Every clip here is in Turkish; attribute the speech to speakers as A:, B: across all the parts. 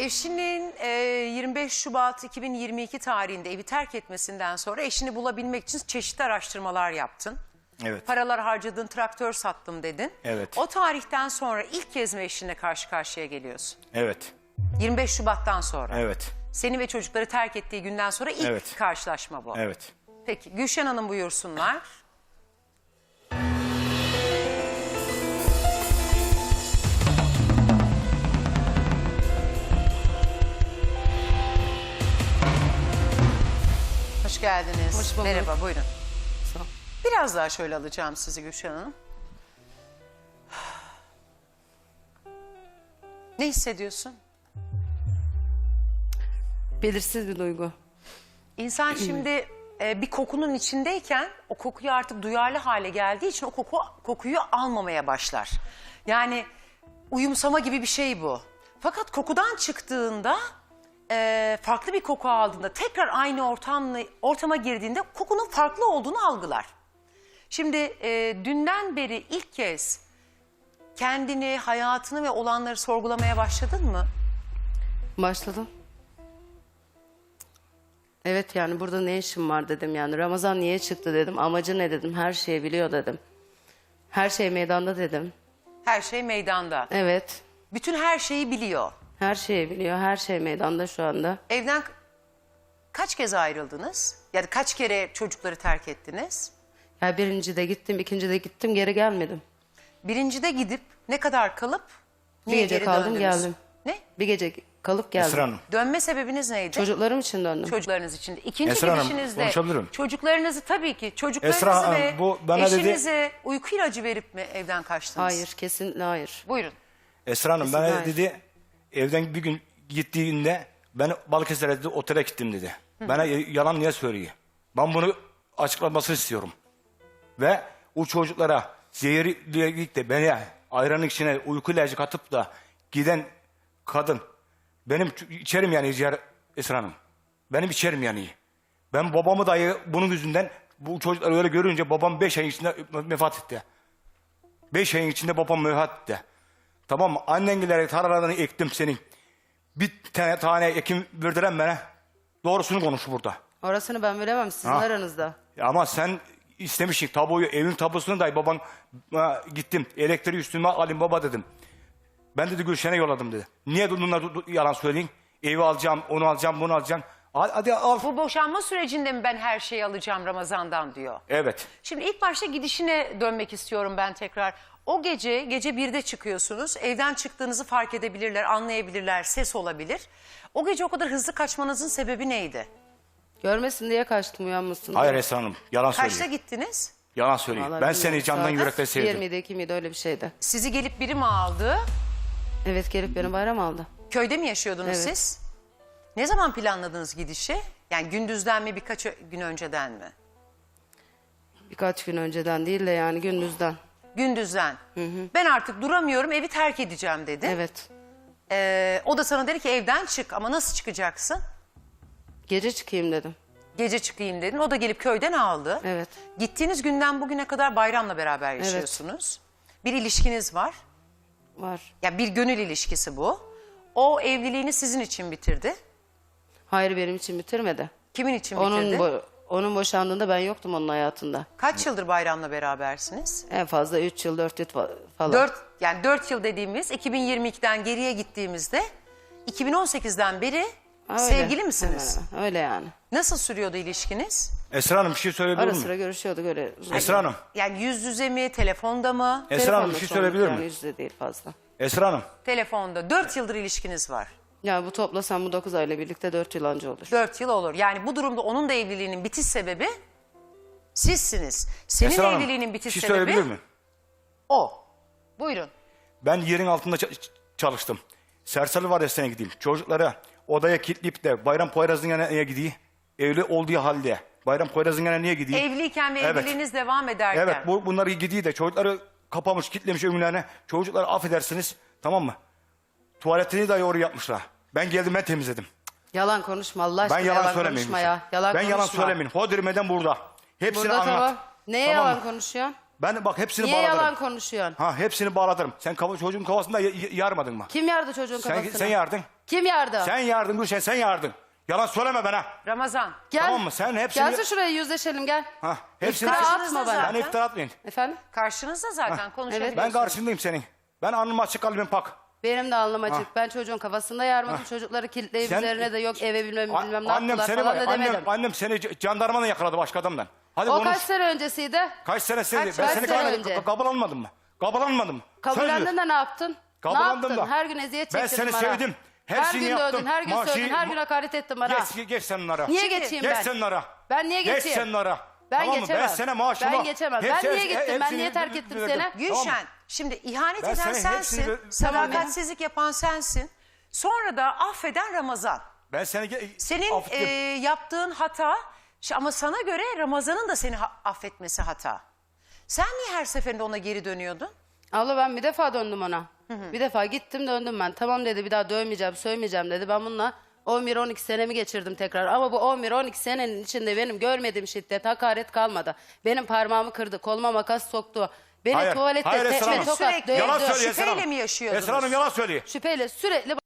A: eşinin 25 Şubat 2022 tarihinde evi terk etmesinden sonra eşini bulabilmek için çeşitli araştırmalar yaptın.
B: Evet.
A: Paralar harcadın, traktör sattım dedin.
B: Evet.
A: O tarihten sonra ilk kez mi eşinle karşı karşıya geliyorsun?
B: Evet.
A: 25 Şubat'tan sonra.
B: Evet.
A: Seni ve çocukları terk ettiği günden sonra ilk
B: Evet.
A: karşılaşma bu.
B: Evet.
A: Peki Gülşen Hanım buyursunlar. Hoş geldiniz.
C: Hoş bulduk.
A: Merhaba, buyurun.
C: Sağ ol.
A: Biraz daha şöyle alacağım sizi Gülşen Hanım. Ne hissediyorsun?
C: Belirsiz bir duygu.
A: İnsan şimdi bir kokunun içindeyken o kokuyu artık duyarlı hale geldiği için o kokuyu almamaya başlar. Yani uyumsama gibi bir şey bu. Fakat kokudan çıktığında farklı bir koku aldığında tekrar aynı ortama girdiğinde kokunun farklı olduğunu algılar. Şimdi dünden beri ilk kez kendini, hayatını ve olanları sorgulamaya başladın mı?
C: Başladım. Evet yani burada ne işim var dedim yani. Ramazan niye çıktı dedim. Amacı ne dedim. Her şeyi biliyor dedim. Her şey meydanda dedim.
A: Her şey meydanda.
C: Evet.
A: Bütün her şeyi biliyor.
C: Her şeyi biliyor. Her şey meydanda şu anda.
A: Evden kaç kez ayrıldınız? Yani kaç kere çocukları terk ettiniz?
C: Ya birinci de gittim, ikinci de gittim, geri gelmedim.
A: Birincide gidip ne kadar kalıp
C: Bir
A: niye
C: gece
A: geri
C: kaldım
A: döndünüz?
C: geldim.
A: Ne?
C: Bir gece kalıp geldim.
B: Esra Hanım.
A: Dönme sebebiniz neydi?
C: Çocuklarım için döndüm.
A: Çocuklarınız için. İkinci
B: Esra Hanım,
A: gidişinizde
B: konuşabilirim.
A: çocuklarınızı tabii ki çocuklarınızı
B: Esra Hanım,
A: ve
B: bu bana dedi-
A: eşinize uyku ilacı verip mi evden kaçtınız?
C: Hayır, kesinlikle hayır.
A: Buyurun.
B: Esra Hanım
C: Kesin
B: bana
C: hayır.
B: dedi evden bir gün gittiğinde ben Balıkesir'e dedi otele gittim dedi. Bana yalan niye söylüyor? Ben bunu açıklamasını istiyorum. Ve o çocuklara zehirleyip de beni ayranın içine uyku ilacı katıp da giden kadın benim içerim yani Esra Hanım. Benim içerim yani. Ben babamı dahi bunun yüzünden bu çocukları öyle görünce babam 5 ayın içinde vefat etti. 5 ayın içinde babam vefat etti. Tamam mı? Annengileri tarlalarını ektim senin. Bir tane ekim verdiren bana. Doğrusunu konuş burada.
C: Orasını ben bilemem, sizin
B: Ha.
C: aranızda.
B: Ama sen istemişsin tabuyu, evin tabusunu dahi baban gittim. Elektriği üstüme alayım baba dedim. Ben dedi Gülşen'e yolladım dedi. Niye bunlar yalan söyleyin? Evi alacağım, onu alacağım, bunu alacağım. Hadi al.
A: Bu boşanma sürecinde mi ben her şeyi alacağım Ramazan'dan diyor.
B: Evet.
A: Şimdi ilk başta gidişine dönmek istiyorum ben tekrar. O gece 1'de çıkıyorsunuz. Evden çıktığınızı fark edebilirler, anlayabilirler, ses olabilir. O gece o kadar hızlı kaçmanızın sebebi neydi?
C: Görmesin diye kaçtım, uyanmasın diye.
B: Hayır Esra Hanım, yalan
A: Kaçta
B: söylüyor.
A: gittiniz?
B: Yalan söylüyor.
C: Vallahi
B: Ben
C: bilmiyorum.
B: seni candan
C: Saat
B: yürekten sevdim.
C: 1 miydi, 2 miydi, öyle bir şeydi.
A: Sizi gelip biri mi aldı?
C: Evet, gelip beni bayram aldı.
A: Köyde mi yaşıyordunuz
C: Evet.
A: siz? Ne zaman planladınız gidişi? Yani gündüzden mi birkaç gün önceden mi?
C: Birkaç gün önceden değil de yani gündüzden.
A: Gündüzden. Ben artık duramıyorum, evi terk edeceğim dedi.
C: Evet.
A: O da sana dedi ki evden çık ama nasıl çıkacaksın?
C: Gece çıkayım dedim.
A: Gece çıkayım dedin. O da gelip köyden aldı.
C: Evet.
A: Gittiğiniz günden bugüne kadar Bayram'la beraber yaşıyorsunuz. Bir ilişkiniz var.
C: Var.
A: Ya bir gönül ilişkisi bu. O evliliğini sizin için bitirdi.
C: Hayır, benim için bitirmedi.
A: Kimin için bitirdi?
C: Onun boşandığında ben yoktum onun hayatında.
A: Kaç yıldır Bayram'la berabersiniz?
C: En fazla 3 yıl, 4 yıl falan.
A: 4 yıl dediğimiz 2022'den geriye gittiğimizde 2018'den beri
C: Öyle.
A: sevgili misiniz?
C: Hemen hemen. Öyle yani.
A: Nasıl sürüyordu ilişkiniz?
B: Esra Hanım bir şey söyleyebilir
C: Ara
B: miyim?
C: sıra görüşüyorduk öyle.
B: Esra Hanım.
A: Yani yüz yüze mi, telefonda mı?
B: Esra Hanım bir şey
C: Telefonla
B: söyleyebilir
C: sorduk yani,
B: miyim?
C: yüzde değil fazla.
B: Esra Hanım.
A: Telefonda. 4 yıldır ilişkiniz var.
C: Yani bu toplasam bu 9 ayla birlikte 4 yıl anca olur.
A: 4 yıl olur. Yani bu durumda onun da evliliğinin bitiş sebebi sizsiniz. Senin
B: Esra Hanım,
A: evliliğinin
B: bir
A: bitiş
B: şey
A: sebebi
B: söyleyebilir miyim?
A: o. Buyurun.
B: Ben yerin altında çalıştım. Serseri var ya sene gideyim. Çocuklara odaya kilitleyip de Bayram Poyraz'ın yanına gideyim. Evli olduğu halde. Bayram Poyraz'ın yanına niye gideyim?
A: Evliyken ve
B: Evet.
A: evliliğiniz devam ederken.
B: Evet bunları gidiyor de çocukları kapamış kilitlemiş önlerine. Çocukları affedersiniz tamam mı? Tuvaletini dahi oraya yapmışlar. Ben geldim ben temizledim.
C: Yalan konuşma Allah aşkına,
B: Ben yalan söylemeyeyim.
C: konuşma ya. Yalan
B: Ben
C: konuşma.
B: yalan söylemeyeyim. Hodirmeden burada. Hepsini
C: Burada
B: anlat.
C: tamam. Neye
B: Tamam
C: yalan
B: mı?
C: konuşuyorsun?
B: Ben bak hepsini
C: Niye
B: bağladım.
C: yalan konuşuyorsun?
B: Ha hepsini bağladım. Sen çocuğun kafasında yarmadın mı?
C: Kim yardı çocuğun kafasına?
B: Sen yardın.
C: Kim yardı?
B: Sen yardın Gülşen, sen yardın. Yalan söyleme bana.
A: Ramazan.
C: Gel.
B: Tamam mı? Sen hepsini...
C: Gelsin şuraya yüzleşelim gel.
B: Ha, hepsini...
C: İftira
A: Karşınızda
C: atma bana.
A: zaten.
B: Ben iftira atmayın.
C: Efendim?
A: Karşınızda zaten konuşabiliyorsunuz.
B: Ben karşındayım senin. Ben alnım açık, kalbim pak.
C: Benim de alnım açık. Ben çocuğun kafasında yarmadım. Çocukları kilitleyip
B: Sen-
C: üzerine de yok eve bilmem ne
B: Annem
C: yaptılar
B: seni
C: falan
B: var.
C: da demedim.
B: Annem seni jandarmanla yakaladı başka adamdan. Hadi
C: O
B: konuş.
C: kaç sene öncesiydi?
B: Kaç sene seni?
A: Kaç
B: Ben
C: sene
B: seni
C: önce?
B: kabul almadım mı? Kabul almadım mı?
C: Kabullendin de ne yaptın?
B: Kabullendim
C: ne yaptın?
B: da.
C: Her gün eziyet
B: Ben
C: çektirdin
B: seni
C: bana.
B: sevdim. Her
C: Her
B: şeyini
C: gün
B: yaptım.
C: dövdün, her gün
B: Maaşı-
C: sövdün, her gün hakaret ettin bana.
B: Geç sen onlara.
C: Niye
A: Şimdi-
C: geçeyim
B: Geç
C: ben?
B: sen onlara.
C: Ben niye
B: Geç
C: geçeyim?
B: sen onlara.
C: Ben
B: Tamam mı?
C: geçemem.
B: Ben sana maaşımı...
C: Ben geçemem. Ben niye gittim? Ben niye terk ettim seni?
A: Gülşen, şimdi ihanet
B: Ben
A: eden
B: sana
A: sensin,
B: hepsini-
A: sadakatsizlik yapan sensin. Sonra da affeden Ramazan.
B: Ben seni...
A: Senin
B: affettim.
A: yaptığın hata, ama sana göre Ramazan'ın da seni affetmesi hata. Sen niye her seferinde ona geri dönüyordun?
C: Abla ben bir defa döndüm ona. Bir defa gittim döndüm ben. Tamam dedi bir daha dövmeyeceğim, sövmeyeceğim dedi. Ben bununla 11-12 senemi geçirdim tekrar. Ama bu 11-12 senenin içinde benim görmediğim şiddet, hakaret kalmadı. Benim parmağımı kırdı, koluma makas soktu. Beni tuvalette
B: Esra
C: tekme
B: Hanım.
C: tokat
A: Sürekli
C: dövdü.
B: Yalan söylüyor Esra
A: şüpheyle
B: Hanım.
A: mi yaşıyordunuz?
B: Esra Hanım yalan söylüyor.
C: Şüpheyle sürekli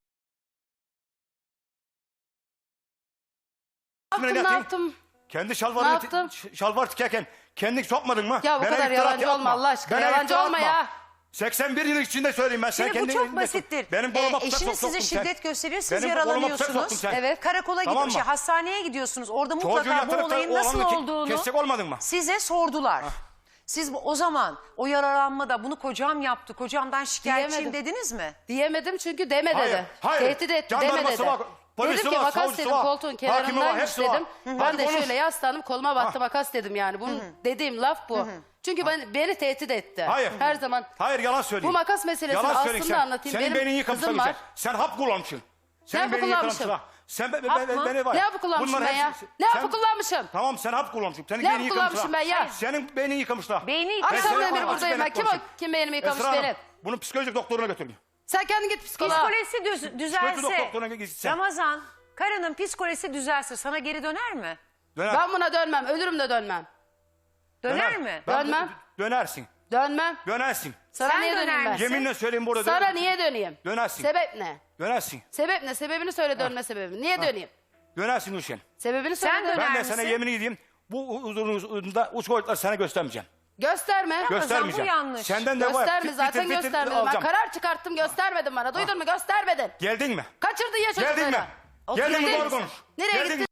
B: Ne
C: ne yaptım?
B: Kendi
C: Ne
B: şalvarını
C: yaptım?
B: şalvar tikerken kendini sokmadın mı?
C: Ya bu
B: Bana
C: kadar
B: iftira
C: yalancı
B: atma.
C: olma Allah aşkına.
B: Bana
C: Yalancı
B: iftira
C: olma
B: atma.
C: ya.
B: 81 yıl içinde söyleyeyim ben. Sen
A: Şimdi bu
B: kendi
A: çok
B: elinde sok.
A: basittir.
B: Benim koluma bıçak
A: Eşiniz
B: soktun
A: size
B: sen.
A: şiddet gösteriyor, siz
B: Benim koluma bıçak
A: yaralanıyorsunuz.
B: soktun sen.
A: Evet. Karakola
B: Tamam
A: gidiyor,
B: mı?
A: hastaneye gidiyorsunuz. Orada
B: Çocuğu
A: mutlaka bu
B: yatırıp da
A: olayın
B: o
A: nasıl
B: anını
A: olduğunu
B: kesecek olmadın mı?
A: size sordular. Siz o zaman o yaralanmada bunu kocam yaptı, kocamdan şikayetçiyim
C: Diyemedim.
A: dediniz mi?
C: Diyemedim çünkü deme
B: Hayır,
C: dedi.
B: hayır.
C: Tehdit etti
B: Jandarması
C: deme dedi.
B: var, polisi
C: Dedim ki
B: var,
C: makas
B: savcısı
C: dedim
B: var,
C: koltuğun
B: hakimi var,
C: kenarındaymış
B: hepsi var.
C: dedim.
B: Hadi
C: Ben de
B: konuş.
C: şöyle yaslandım koluma baktı makas dedim yani. Bunun dediğim laf bu. Çünkü beni tehdit etti.
B: Hayır.
C: Her zaman.
B: Hayır yalan söyleyeyim.
C: Bu makas meselesini
B: Yalan
C: aslında
B: söyleyeyim sen.
C: anlatayım.
B: Senin
C: Benim
B: beynin yıkamışsın.
C: kızım var.
B: Sen hap kullanmışsın. Senin
C: hapı
B: beynin
C: kullanmışım?
B: yıkamışsın. Sen
A: Hap mı?
B: beni var.
C: Ne hapı kullanmışım
B: Bunların
C: ben ya?
B: hepsi-
C: Ne
B: sen-
C: hapı kullanmışım?
B: Tamam sen hap kullanmışsın. Senin
C: Ne
B: beynin
C: hapı kullanmışım ben ya?
B: Senin beynin yıkamışlar.
A: Beyni
B: Ben
C: Akşamdan
B: sana
C: beri
B: açık
C: buradayım ben.
B: net
C: Kim
B: konuşayım.
C: kim beynimi yıkamış
B: Esra Hanım,
C: benim?
B: bunu psikolojik doktoruna götürün.
C: Sen kendin git psikoloğa.
A: Psikolojisi düzelse,
B: doktoruna gitsen.
A: Ramazan, karının psikolojisi düzelse sana geri döner mi?
B: Döner.
C: Ben buna dönmem. Ölürüm de dönmem.
A: Döner mi?
C: Dönmem.
B: Dönersin.
C: Dönmem.
B: Dönersin.
C: Sana
A: Sen
C: niye
A: döner
C: döneyim ben?
A: misin?
B: Yeminle söyleyeyim burada.
C: Sana niye döneyim?
B: Dönersin.
C: Sebep ne?
B: Dönersin.
C: Sebep ne? Sebebini söyle dönme sebebini. Niye döneyim?
B: Dönersin Gülşen.
C: Sebebini söyle
A: Sen
C: dönme.
A: döner
B: Ben de
A: misin?
B: sana yemin edeyim. Bu uzunluğunda uç boyutları sana göstermeyeceğim.
C: Gösterme.
B: Göstermeyeceğim.
A: bu yanlış.
B: Senden de var.
C: Gösterme zaten göstermedim. Ben
B: alacağım.
C: karar çıkarttım göstermedin bana. Duydun mu? Göstermedin.
B: Geldin mi?
C: Kaçırdın ya çocukları.
B: Geldin mi? Geldin mi
C: Gittin.
B: doğru konuş.
C: Nereye
B: Geldin
C: gittin?
B: mi?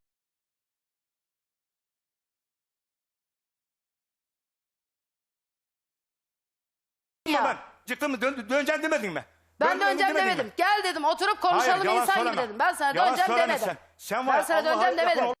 C: Ya.
B: Ben çıktın mı döneceksin demedin mi?
C: Ben döneceğim
B: demedin mi?
C: demedim. Gel dedim oturup konuşalım
B: Hayır, yalan
C: insan gibi
B: söyleme.
C: dedim. Ben sana
B: Yalan
C: döneceğim
B: söyleme
C: demedim.
B: Sen var
C: Ben
B: ya,
C: sana
B: Allah'a
C: döneceğim
B: yakın
C: demedim.
B: ol-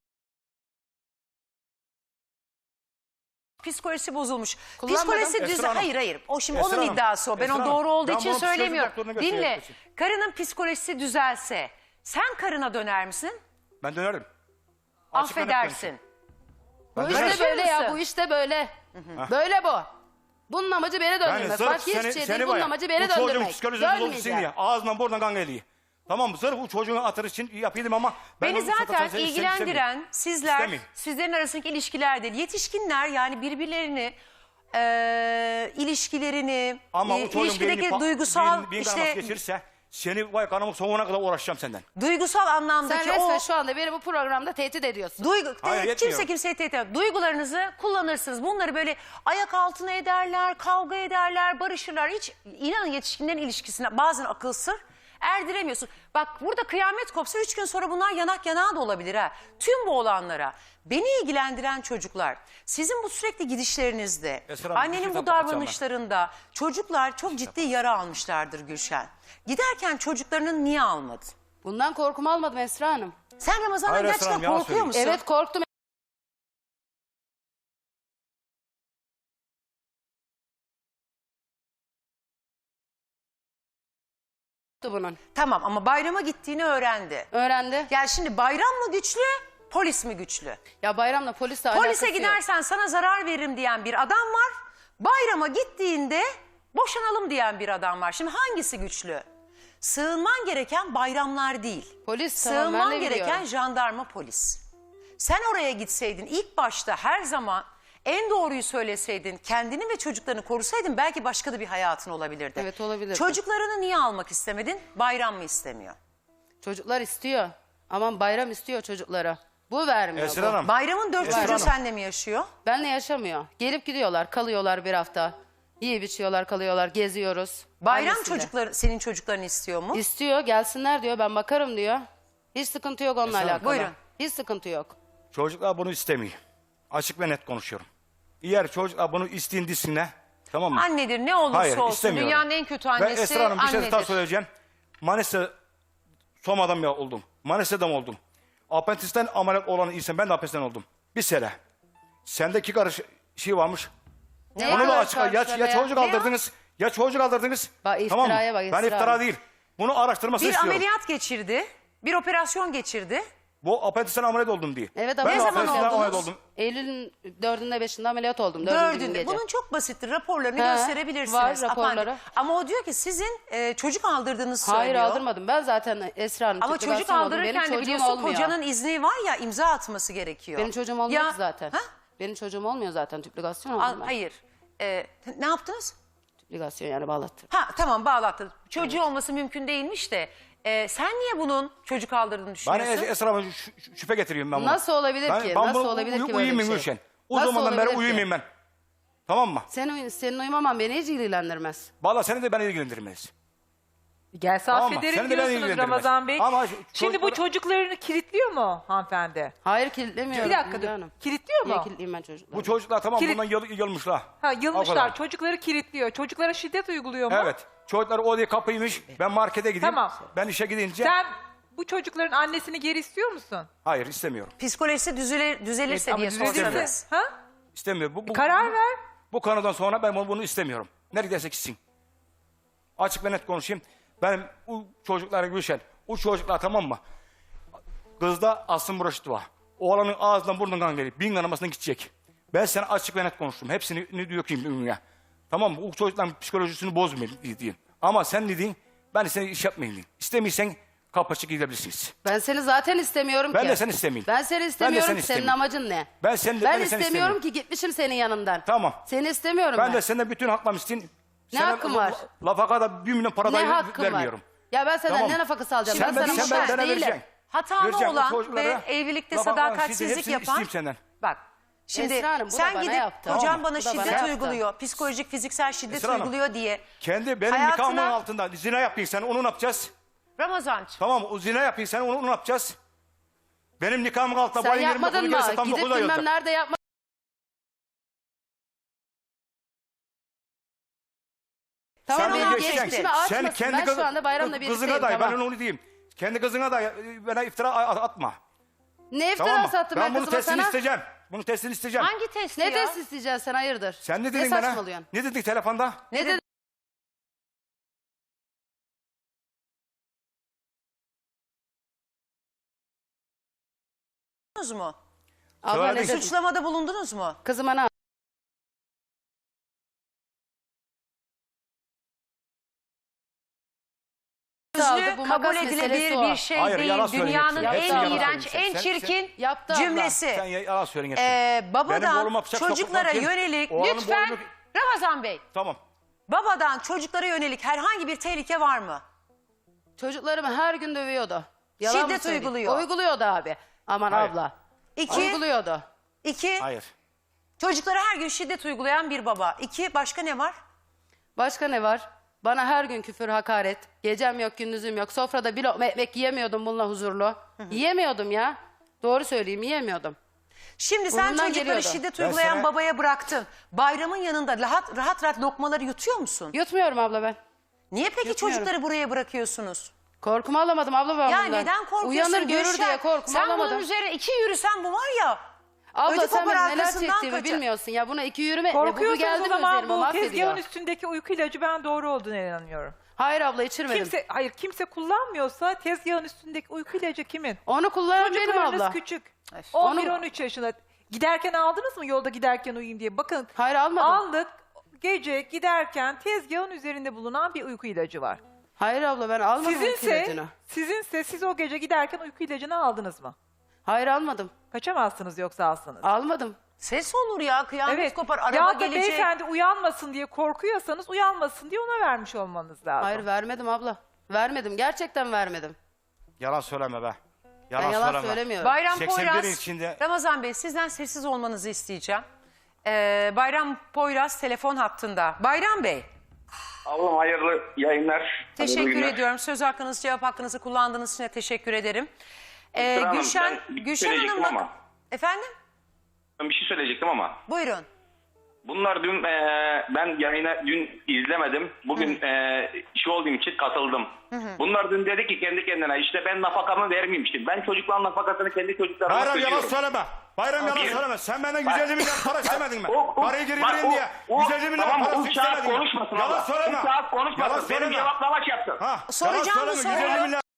A: Psikolojisi bozulmuş.
C: Kullanmadım.
A: Psikolojisi
B: Esra Hanım.
A: Hayır. O şimdi
B: Esra
A: onun
B: Hanım.
A: iddiası o. Ben
B: Esra
A: onun
B: Hanım.
A: doğru olduğu
B: Ben
A: için
B: bunu psikoloji
A: söylemiyorum.
B: doktoruna götürüyorum.
A: Dinle. Karının psikolojisi düzelse sen karına döner misin?
B: Ben dönerim. Açık ve net
A: Affedersin.
C: Bu
B: Ben
C: işte
B: dönerim.
C: böyle ya.
A: mısın?
C: Bu işte böyle. Böyle bu. Bunun amacı beni döndürmek.
B: sırf
C: Başka hiçbir şey değil.
B: var
C: Bunun
B: ya,
C: amacı beni
B: bu çocuğun
C: döndürmek.
B: psikolojisi bozulsun
C: Dönmeyeceğim.
B: diye ağzından buradan kan geliyor. Tamam mı? Sırf bu çocuğun hatırı için yapıyordum ama... ben
A: Beni
B: onu
A: zaten
B: istemiyorum.
A: ilgilendiren sizler,
B: İstemiyorum.
A: sizlerin arasındaki ilişkiler değil. Yetişkinler yani birbirlerini, ilişkilerini,
B: Ama o çocuğun
A: ilişkideki duygusal
B: beyin kanaması geçirirse seni vay kanımın sonuna kadar uğraşacağım senden.
A: duygusal
C: Sen
A: anlamdaki
C: resmen
A: o
C: şu anda beni bu programda tehdit ediyorsun.
B: Hayır,
A: kimse
B: yetmiyor.
A: kimseye tehdit etmez. Duygularınızı kullanırsınız. Bunları böyle ayak altına ederler, kavga ederler, barışırlar. Hiç inanın yetişkinlerin ilişkisine bazen akıl sır erdiremiyorsun. Bak burada kıyamet kopsa 3 gün sonra bunlar yanak yanağa da olabilir ha. Tüm bu olanlara beni ilgilendiren çocuklar sizin bu sürekli gidişlerinizde
B: Esra Hanım, bir
A: annenin
B: şey
A: bu
B: yapacağım ben.
A: davranışlarında çocuklar çok ciddi yara almışlardır Gülşen. Giderken çocuklarını niye almadı?
C: Bundan korkumu almadım Esra Hanım.
A: Sen Ramazan'dan
B: Hayır Esra
A: gerçekten
B: Hanım, yalan
A: korkuyor musun?
B: söylüyor.
C: Evet korktum. Bunun.
A: Tamam ama bayrama gittiğini öğrendi.
C: Öğrendi.
A: Yani şimdi bayram mı güçlü, polis mi güçlü?
C: Ya bayramla polisle alakası
A: Polise
C: yok.
A: gidersen sana zarar veririm diyen bir adam var. Bayrama gittiğinde boşanalım diyen bir adam var. Şimdi hangisi güçlü? Sığınman gereken bayramlar değil.
C: Polis, tamam, ben
A: Sığınman
C: de
A: gereken
C: biliyorum.
A: jandarma polis. Sen oraya gitseydin ilk başta her zaman En doğruyu söyleseydin, kendini ve çocuklarını korusaydın belki başka da bir hayatın olabilirdi.
C: Evet, olabilirdi.
A: Çocuklarını niye almak istemedin? Bayram mı istemiyor?
C: Çocuklar istiyor. Aman bayram istiyor çocuklara. Bu vermiyor.
B: Esra
C: bu.
B: Hanım.
A: Bayramın 4
B: Esra
A: çocuğu
B: Hanım.
A: seninle mi yaşıyor?
C: Benle yaşamıyor. Gelip gidiyorlar, kalıyorlar bir hafta. Yiyip içiyorlar, kalıyorlar, geziyoruz.
A: Bayram
C: Annesiyle.
A: çocukları senin çocuklarını istiyor mu?
C: İstiyor, gelsinler diyor, ben bakarım diyor. Hiç sıkıntı yok onunla
B: Esra,
C: alakalı.
A: buyurun.
C: Hiç sıkıntı yok.
B: Çocuklar bunu istemiyor. Açık ve net konuşuyorum. Eğer çocuklar bunu isteyin desinler, tamam mı?
A: Annedir, ne olursa
B: Hayır,
A: olsun
B: istemiyorum.
A: dünyanın en kötü
B: Ve
A: annesi
B: Esra Hanım bir şey
A: annedir.
B: daha söyleyeceğim. Manisa Soma'dan ya oldum. Manisa'dan oldum. Apendisten ameliyat olan insan, ben de apendisten oldum. Bir sene. Sende 2 karış şey varmış.
C: Ne
B: Onu da
C: kadar
B: açıkla. Ya
C: karşılamaya?
B: çocuk
A: Ne
B: aldırdınız, ya çocuk aldırdınız.
C: Bak,
B: tamam mı?
C: iftiraya bak,
B: Ben
C: iftira.
B: iftira değil. Bunu araştırmasını
A: Bir
B: istiyorum.
A: ameliyat geçirdi, bir operasyon geçirdi.
B: Bu apendisten ameliyat oldum diye.
C: Evet,
B: ben de
C: ne zaman
B: apendisten ameliyat
A: oldunuz?
B: oldum.
C: Eylül'ün 4'ünde 5'inde ameliyat oldum. 4. gün
A: Dördünde.
C: gece.
A: Bunun çok basittir. Raporlarını
C: He,
A: gösterebilirsiniz.
C: var raporları.
A: Apandik. Ama o diyor ki sizin çocuk aldırdığınızı
C: Hayır,
A: söylüyor.
C: aldırmadım. Ben zaten Esra Hanım.
A: Ama
C: tüplü
A: çocuk
C: gazete oldum. Benim
A: aldırırken de
C: çocuğum
A: biliyorsun
C: olmuyor.
A: kocanın izni var ya, imza atması gerekiyor.
C: Benim çocuğum olmuyor
A: Ya-
C: ki zaten.
A: Ha?
C: Benim çocuğum olmuyor zaten. Tüpligasyon oldum ben.
A: Hayır. Ne yaptınız?
C: Tüpligasyon yani bağlattım.
A: Ha tamam, bağlattın. Çocuğu olması mümkün değilmiş de sen niye bunun çocuk aldırdığını
B: Bana
A: düşünüyorsun?
B: Esra Hanım şüphe getiriyorum ben bunu.
C: Nasıl olabilir ki?
B: Ben
C: Nasıl
B: bunu
C: olabilir ki böyle
B: uyumayayım
C: bir şey?
B: Gülşen. O
C: Nasıl
B: zamandan beri
C: olabilir ki?
B: uyumayayım ben. Tamam mı?
C: Senin uyumaman beni hiç ilgilendirmez.
B: Vallahi seni de beni ilgilendirmez.
D: Gelse
B: Tamam mı?
D: affederim
B: Seni de ben
D: diyorsunuz
B: ilgilendirmez.
D: Ramazan Bey.
B: Ama
D: Şimdi bu çocuklarını kilitliyor mu hanımefendi?
C: Hayır, kilitlemiyorum.
D: Bir dakika
C: Hülya
D: dur.
C: Hanım.
D: Kilitliyor
C: Niye
D: mu?
C: kilitleyeyim ben çocukları?
B: Bu çocuklar tamam
D: Kilit-
B: bundan yılmışlar.
D: Ha,
B: O
D: yılmışlar.
B: kadar.
D: Çocukları kilitliyor. Çocuklara şiddet uyguluyor mu?
B: Evet. Çocuklar o diye kapıymış. Ben markete gideyim.
D: Tamam.
B: Ben işe gidince.
D: Sen bu çocukların annesini geri istiyor musun?
B: Hayır istemiyorum.
A: Psikolojisi düzelirse
D: Ama
A: diye
D: düzelirse-
A: sorsanız.
D: Ha?
B: İstemiyorum. Bu
D: Karar ver.
B: Bu konudan sonra ben bunu istemiyorum. Neredeyse gitsin. Açık ve net konuşayım. Benim o çocuklara Gülşen, o çocuklar tamam mı? Kızda Asım Buraşit var. Oğlanın ağzından burnundan kan gelip bin kanamasına gidecek. Ben sana açık ve net konuştum. Hepsini dökeyim dünya. Tamam mı? O çocukların psikolojisini bozmayayım diyeyim. Ama sen dediğin, ben de seni iş yapmayayım diyeyim. İstemiyorsan kapı açık gidebilirsiniz.
C: Ben seni zaten istemiyorum
B: Ben
C: ki.
B: de seni istemeyeyim.
C: Ben seni
B: Ben de
C: istemiyorum
B: seni
C: ki. Senin
B: istemiyorum.
C: amacın ne?
B: Ben
C: Ben
B: seni
C: istemiyorum
B: istemiyorum.
C: ki, gitmişim senin yanından.
B: Tamam.
C: Seni istemiyorum
B: Ben de senden bütün haklarımı isteyeyim.
C: Ne hakkın var?
B: Lafaka da 1 milyon para
C: Ne
B: dahi
C: hakkın
B: vermiyorum.
C: var?
B: Var.
C: Ya ben senden
B: Tamam.
C: ne nafakası alacağım?
B: Sen
C: ben
B: ben-
C: sana
B: sen
C: muhtaç
B: bana
C: değilim.
B: vereceksin.
A: Hatalı
B: Vereceğim o
A: olan
B: çocuklara.
A: ve evlilikte
B: Lafaka
A: sadakatsizlik
B: hepsini
A: yapan...
B: isteyeyim senden.
A: Bak şimdi
C: Esra Hanım, bu da
A: sen
C: bana
A: gidip
C: yaptı.
A: kocan
B: Tamam.
A: bana
C: Bu da bana
A: şiddet
C: yaptı.
A: uyguluyor, psikolojik fiziksel şiddet
B: Esra Hanım,
A: uyguluyor diye.
B: Kendi benim
A: Hayatına-
B: nikahımın altında zina yapayım sen onu ne yapacağız?
A: Ramazancığım,
B: Tamam o zina yapayım sen onu ne yapacağız? Benim nikahımın altında
C: Sen
B: boyun yerim
C: yapmadın
B: okulu
C: mı?
B: gelirse tam
C: Gidip
B: 9 ay
C: bilmem
B: olacak.
C: nerede yapmadın. Tamam,
A: onu
C: benim
A: geçtin.
C: geçmişimi açmasın. Ben şu anda bayramla
B: kızına
C: birlikteyim.
B: da
C: Tamam.
B: ben onu diyeyim. Kendi kızına da bana iftira atma.
C: Ne
B: Tamam mı?
C: iftirası attım
B: Ben
C: ben
B: bunu
C: kızıma
B: testini
C: sana?
B: isteyeceğim. Bunu testini isteyeceğim.
A: hangi testi
C: Ne
A: ya?
C: test isteyeceksin sen, hayırdır?
B: Sen ne
C: Ne
B: dedin bana?
C: saçmalıyorsun?
B: Ne dedik telefonda?
C: Ne dedin?
A: mu?
C: Abla ne
B: Söyledik.
C: dedin?
A: Suçlamada bulundunuz mu?
C: Kızıma ne?
A: Sözlü
C: Bu
A: kabul
C: makas
A: edilebilir
C: meselesi o.
A: bir şey
B: Hayır,
A: değil.
B: yalan söylüyorsun.
A: Dünyanın
B: Hepsi
A: en
C: yalan
A: iğrenç,
B: söylüyorsun.
A: en
B: Sen-
A: çirkin
C: Yaptı abla.
A: cümlesi.
B: Sen yalan söylüyorsun. Benim
A: Babadan
B: oğluma bıçak
A: çocuklara
B: sokmak kim?
A: yönelik
B: Oğlanın
A: lütfen
B: boynunu-
A: Ramazan Bey,
B: Tamam.
A: babadan çocuklara yönelik herhangi bir tehlike var mı?
C: Çocuklarımı her gün dövüyordu. Yalan mı
A: Şiddet
C: söyleyeyim?
A: uyguluyor.
C: Uyguluyordu abi. Aman
B: Hayır.
C: abla.
A: İki,
C: Uyguluyordu.
B: Hayır.
A: çocuklara her gün şiddet uygulayan bir baba. İki, başka ne var?
C: Başka ne var? Bana her gün küfür, hakaret. Gecem yok, gündüzüm yok. Sofrada bir lokma ekmek yiyemiyordum bununla huzurlu. Yiyemiyordum ya. Doğru söyleyeyim, yiyemiyordum.
A: Şimdi sen
C: Burnundan
A: çocukları
C: geliyordu.
A: şiddet
B: Ben
A: uygulayan
B: sana-
A: babaya bıraktın. Bayramın yanında rahat lokmaları yutuyor musun?
C: Yutmuyorum abla ben.
A: Niye peki
C: Yutmuyorum.
A: çocukları buraya bırakıyorsunuz?
C: Korkumu alamadım abla ben
A: Ya
C: bundan.
A: neden korkuyorsun?
C: Uyanır görür
A: Gülşen?
C: diye korkumu
A: Sen
C: alamadım.
A: bunun üzerine iki yürüsen bu var ya.
C: Abla
A: ödü
C: sen
A: kopar
C: benim neler
A: arkasından
C: çektiğimi
A: kaçar.
C: bilmiyorsun ya. Buna iki yürüme. Bu
D: Korkuyorsunuz
C: geldi
D: o
C: mi
D: zaman
C: üzerime
D: bu
C: mahvediyor.
D: tezgahın üstündeki uyku ilacı ben doğru olduğuna inanıyorum.
C: Hayır abla, içirmedim.
D: Kimse kullanmıyorsa tezgahın üstündeki uyku ilacı kimin?
C: Onu kullanan benim
D: Çocuklarınız
C: abla.
D: küçük.
A: Öf.
D: 11-13 yaşında. Giderken aldınız mı yolda giderken uyuyayım diye? Bakın
C: Hayır, almadım.
D: aldık. Gece giderken tezgahın üzerinde bulunan bir uyku ilacı var.
C: Hayır abla, ben almadım uyku ilacını.
D: Sizinse siz o gece giderken uyku ilacını aldınız mı?
C: Hayır, almadım.
D: Kaçamazsınız yoksa alsanız.
C: Almadım.
A: Ses olur ya, kıyamet
D: Evet.
A: kopar, araba
D: Ya da
A: gelecek.
D: beyefendi uyanmasın diye korkuyorsanız uyanmasın diye ona vermiş olmanız lazım.
C: Hayır vermedim abla. Vermedim. Gerçekten vermedim.
B: Yalan söyleme be.
C: Ben
B: Yalan,
C: yalan
B: söyleme.
C: söylemiyorum.
A: Bayram
B: 81'in
A: Poyraz,
B: içinde-
A: Ramazan Bey sizden sessiz olmanızı isteyeceğim. Bayram Poyraz telefon hattında. Bayram Bey,
E: Ablam hayırlı yayınlar. Hayırlı
A: teşekkür
E: günler.
A: ediyorum. Söz hakkınızı, cevap hakkınızı kullandığınız için de teşekkür ederim.
E: Esra Hanım,
A: Gülşen,
E: ben bir şey
A: Gülşen
E: söyleyecektim
A: Hanım'la...
E: ama.
A: Efendim?
E: Ben bir şey söyleyecektim ama.
A: Buyurun.
E: Bunlar dün ben yayına dün izlemedim. Bugün işi olduğum için katıldım. Bunlar dün dedi ki kendi kendine işte ben nafakamı vermeyeyim. Ben çocukların nafakasını kendi çocuklarıma
B: Bayram yalan
E: ödüyorum.
B: söyleme. Bayram yalan
E: Bir-
B: söyleme. Sen benden 150 milyar para istemedin mi?
E: O-
B: Parayı geri
E: bak,
B: vereyim diye. 150 milyar
E: tamam,
B: parası
E: o saat
B: istemedin mi?
E: konuşmasın
B: Yalan
E: abla.
B: söyleme.
E: O saat konuşmasın.
B: Yalan
E: Benim
B: söyleme.
E: cevaplamaç yaptın.
B: Ha,
A: Soracağım
B: yalan
A: bu
B: söyleme.
A: soruyu.
B: 150 milyar.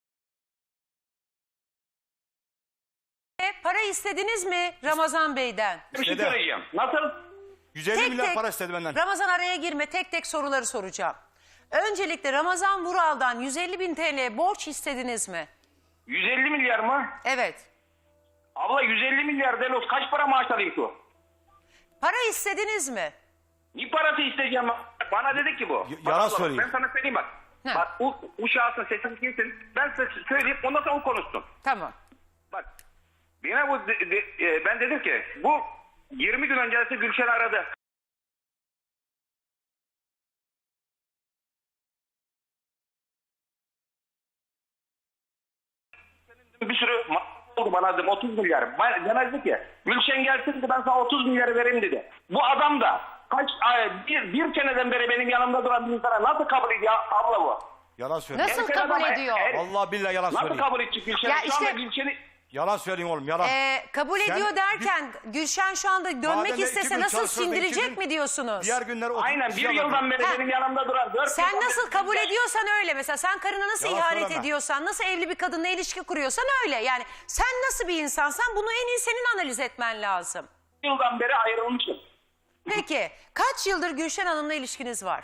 A: Para istediniz mi Ramazan Bey'den?
E: Bir şey
B: İstedi.
E: söyleyeceğim. Nasıl?
B: 150 milyar para istedi benden.
A: Ramazan araya girme, tek tek soruları soracağım. Öncelikle Ramazan Vural'dan 150 bin TL borç istediniz mi?
E: 150 milyar mı?
A: Evet.
E: Abla 150 milyar Delos kaç para maaş alayım ki?
A: Para istediniz mi?
E: Ne parası isteyeceğim? Bana dedi ki bu. Bak
B: yalan
E: abla,
B: söyleyeyim.
E: Ben sana söyleyeyim bak.
A: He.
E: Bak bu şahsın sesini kimsin? Ben size söyleyeyim ondan sonra o konuşsun.
A: Tamam.
E: Bak. Yine bu ben dedim ki bu 20 gün öncesi Gülşen aradı. Bir sürü oldu bana dedim 30 milyar. Demezdi ki Gülşen gelsin de ben sana 30 milyarı vereyim dedi. Bu adam da kaç bir seneden beri benim yanımda duran bir insana nasıl kabul ediyor abla bu?
B: Yalan söylüyor.
A: Nasıl
E: Gerçekten
A: kabul
E: adam-
A: ediyor?
B: Allah billahi yalan
E: Nasıl
B: söylüyor.
E: kabul edecek Gülşen'i?
A: Ya
E: Şu
A: işte-
E: anda Gülşen'i
B: Yalan söyleyeyim oğlum yalan.
A: Kabul
B: Sen
A: ediyor derken Gülşen şu anda
B: Madem
A: dönmek
B: de iki
A: istese
B: gün
A: nasıl
B: çalışırdı, iki
A: sindirecek
B: gün-
A: mi diyorsunuz?
B: Diğer günler oturup
E: aynen
B: bir
E: bir
B: şey
E: yıldan
B: yapıyor.
E: beri
A: Ha.
E: benim yanımda duran. 4
A: Sen
E: yıldan
A: nasıl
E: beri-
A: kabul ediyorsan öyle. Mesela sen karına nasıl
B: Yalan
A: ihanet
B: söyleme.
A: ediyorsan, nasıl evli bir kadınla ilişki kuruyorsan öyle. Yani sen nasıl bir insansan bunu en iyi senin analiz etmen lazım.
E: yıldan beri ayrılmışım.
A: Peki kaç yıldır Gülşen Hanım'la ilişkiniz var?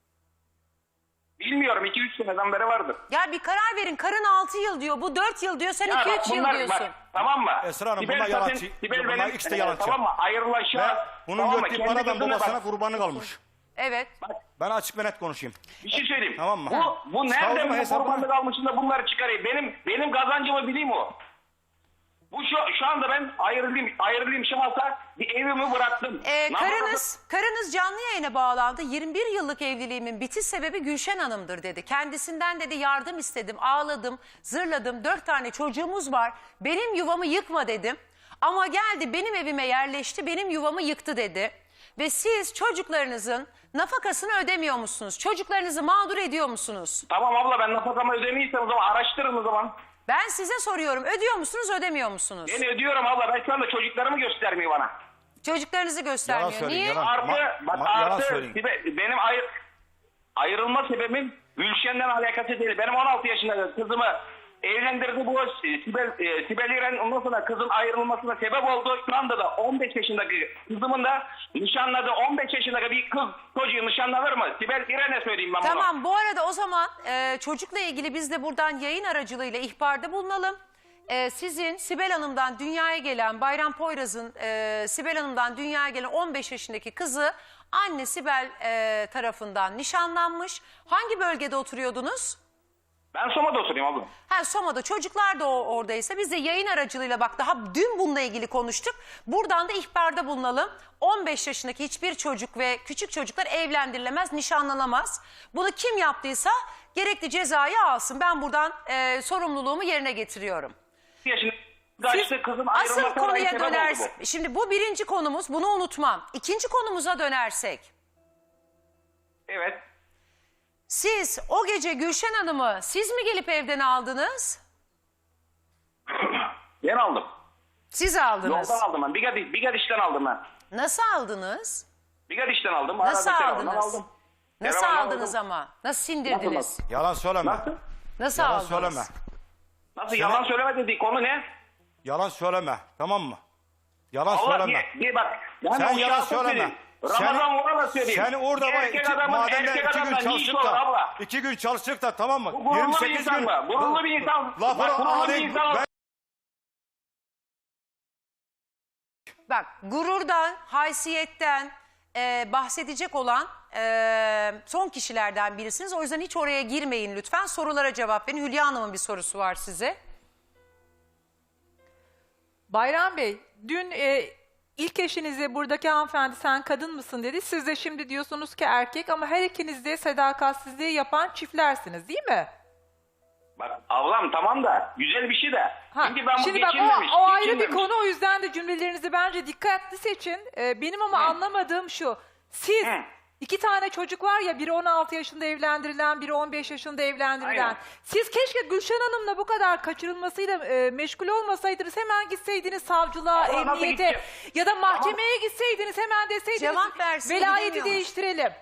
E: Bilmiyorum 2-3 seneden beri vardır.
A: Ya bir karar verin. Karın 6 yıl diyor. Bu 4 yıl diyor. Sen
E: Ya
A: 2-3
E: bak
A: yıl
E: bunlar
A: diyorsun.
E: bak tamam mı?
B: Esra Hanım,
E: Sibel
B: bunlar
E: zaten-
B: yalancı.
E: Sibel
B: Bunlar
E: benim
B: ikisi de yalancı.
E: tamam mı?
B: Ve
E: Ayrılaşa.
B: bunun
E: tamam mı?
B: gördüğü
E: Kendi
B: paradan
E: kızına
B: babasına
E: bak.
B: kurbanı kalmış.
A: Evet.
B: Ben açık ve net konuşayım.
E: Bir şey söyleyeyim.
B: Tamam mı?
E: Bu
B: Savunma
E: nereden bu
B: hesabını-
E: kurbanlık almışım da bunları çıkarayım. Benim kazancımı bileyim o. Bu şu anda ben ayrılayım şahsa bir evimi bıraktım.
A: Karınız canlı yayına bağlandı. 21 yıllık evliliğimin bitiş sebebi Gülşen Hanım'dır dedi. Kendisinden dedi yardım istedim, ağladım, zırladım. 4 tane çocuğumuz var. Benim yuvamı yıkma dedim. Ama geldi benim evime yerleşti, benim yuvamı yıktı dedi. Ve siz çocuklarınızın nafakasını ödemiyor musunuz? Çocuklarınızı mağdur ediyor musunuz?
E: Tamam abla ben nafakamı ödemeyiysem o zaman araştırın o zaman.
A: Ben size soruyorum. Ödüyor musunuz, ödemiyor musunuz?
E: Ben ödüyorum abla. Ben şu anda çocuklarımı göstermiyor bana.
A: Çocuklarınızı göstermiyor.
B: Yalan söyleyeyim,
A: Niye?
B: yalan.
E: Bak
B: yalan
E: artı
B: söyleyeyim.
E: benim ayrılma sebebim Gülşen'den alakası değil. Benim 16 yaşında kızımı evlendirdi bu Sibel İren, ondan sonra kızın ayrılmasına sebep oldu. Şu anda da 15 yaşındaki kızımın da nişanladığı 15 yaşındaki bir kız çocuğu nişanlanır mı? Sibel İren'e söyleyeyim ben bunu.
A: Tamam, bu arada o zaman çocukla ilgili biz de buradan yayın aracılığıyla ihbarda bulunalım. Sizin Sibel Hanım'dan dünyaya gelen, Bayram Poyraz'ın Sibel Hanım'dan dünyaya gelen 15 yaşındaki kızı anne Sibel tarafından nişanlanmış. Hangi bölgede oturuyordunuz?
E: Ben Soma'da oturuyorum abla.
A: Ha, Soma'da, çocuklar da oradaysa biz de yayın aracılığıyla bak daha dün bununla ilgili konuştuk. Buradan da ihbarda bulunalım. 15 yaşındaki hiçbir çocuk ve küçük çocuklar evlendirilemez, nişanlanamaz. Bunu kim yaptıysa gerekli cezayı alsın. Ben buradan sorumluluğumu yerine getiriyorum.
E: Yaşında işte kızın
A: Asıl
E: ayrılmasına
A: konuya
E: sebep oldu
A: dönersin.
E: bu.
A: Şimdi bu birinci konumuz, bunu unutmam. İkinci konumuza dönersek.
E: Evet.
A: Siz o gece Gülşen Hanım'ı siz mi gelip evden aldınız?
E: Ben aldım.
A: Siz aldınız.
E: Yoldan aldım ben. Bigadiş'ten aldım ben.
A: Nasıl aldınız?
E: Bigadiş'ten aldım.
A: Nasıl
E: Arada telefondan
A: aldınız?
E: aldım.
A: Nasıl
E: Telefondan
A: aldınız
E: aldım.
A: ama? Nasıl sindirdiniz?
E: Nasıl?
B: Yalan söyleme.
E: Nasıl?
A: Nasıl
B: Yalan
A: aldınız?
B: söyleme.
E: Nasıl yalan söyleme dediği konu ne?
B: Yalan söyleme. Tamam mı? Yalan
E: Allah
B: söyleme.
E: bir bak. Yani
B: Sen
E: o
B: yalan
E: şahsı
B: söyleme.
E: söyleyeyim. Ramazan Vural'a söyleyeyim.
B: Sen orada var
E: Erkek adamın
B: madende
E: erkek
B: 2 gün
E: adamla ne işi
B: çalıştık
E: olur
B: da
E: abla?
B: 2 gün çalıştık da tamam mı?
E: Bu gururlu bir insan mı? Gururlu bir insan.
B: Lafını
E: Bak, gururlu bir
B: alayım.
E: insan.
A: bak gururdan, haysiyetten bahsedecek olan son kişilerden birisiniz. O yüzden hiç oraya girmeyin lütfen. Sorulara cevap verin. Hülya Hanım'ın bir sorusu var size.
D: Bayram Bey, dün ilk eşinize buradaki hanımefendi sen kadın mısın dedi. Siz de şimdi diyorsunuz ki erkek ama her ikiniz de sadakatsizliği yapan çiftlersiniz değil mi?
E: Bak ablam tamam da güzel bir şey de.
D: Ha,
E: Şimdi ben bu
D: şimdi bak
E: geçinmemiş.
D: o ayrı bir
E: geçinmemiş.
D: konu, o yüzden de cümlelerinizi bence dikkatli seçin. Benim ama anlamadığım şu. Siz
E: Hı.
D: 2 tane çocuk var ya, biri 16 yaşında evlendirilen, biri 15 yaşında evlendirilen.
E: Aynen.
D: Siz keşke Gülşen Hanım'la bu kadar kaçırılmasıyla meşgul olmasaydınız, hemen gitseydiniz savcılığa,
E: Allah nasıl
D: emniyete
E: gideceğim?
D: ya da mahkemeye gitseydiniz, hemen deseydiniz
A: Cevap versin,
D: velayeti
A: gidemiyormuş.
D: değiştirelim.